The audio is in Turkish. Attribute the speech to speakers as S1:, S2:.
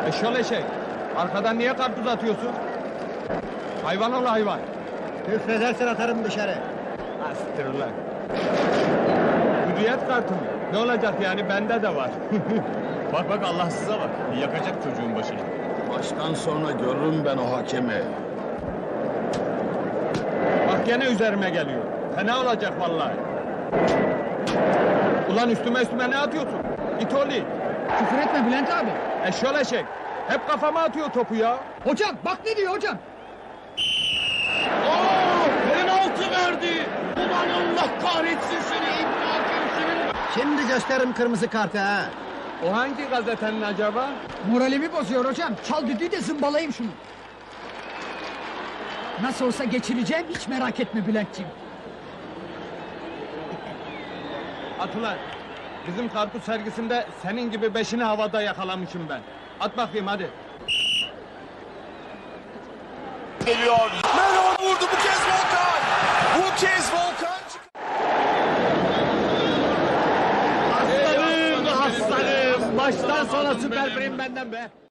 S1: Eşyol eşek. Arkadan niye karpuz atıyorsun? Hayvan ol hayvan.
S2: Küfredersen atarım dışarı.
S1: Astır ulan. Hürriyet kartı mı? Ne olacak yani, bende de var.
S3: Bak bak Allahsıza bak. Yakacak çocuğun başını.
S4: Maçtan sonra görürüm ben o hakemi.
S1: Bak gene üzerime geliyor. Fena olacak vallahi. Ulan üstüme ne atıyorsun? İt oğlu.
S2: Küfür etme Bülent abi.
S1: Eşyol eşek. Hep kafama atıyor topu ya.
S2: Hocam bak ne diyor hocam.
S4: Penaltı verdi! Ulan Allah kahretsin seni İbni Hakem senin! Şimdi gösteririm kırmızı kartı ha!
S1: O hangi gazetenin acaba?
S2: Moralimi bozuyor hocam. Çal düdüğü de zımbalayayım şunu. Nasıl olsa geçireceğim, hiç merak etme Bülentciğim.
S1: At ulan. Bizim karpuz sergisinde senin gibi beşini havada yakalamışım ben. At bakayım hadi.
S5: Geliyor. Melon vurdu, bu kez Volkan. Bu kez Volkan.
S1: Aslanım, aslanım. Baştan sona süper prim benden be.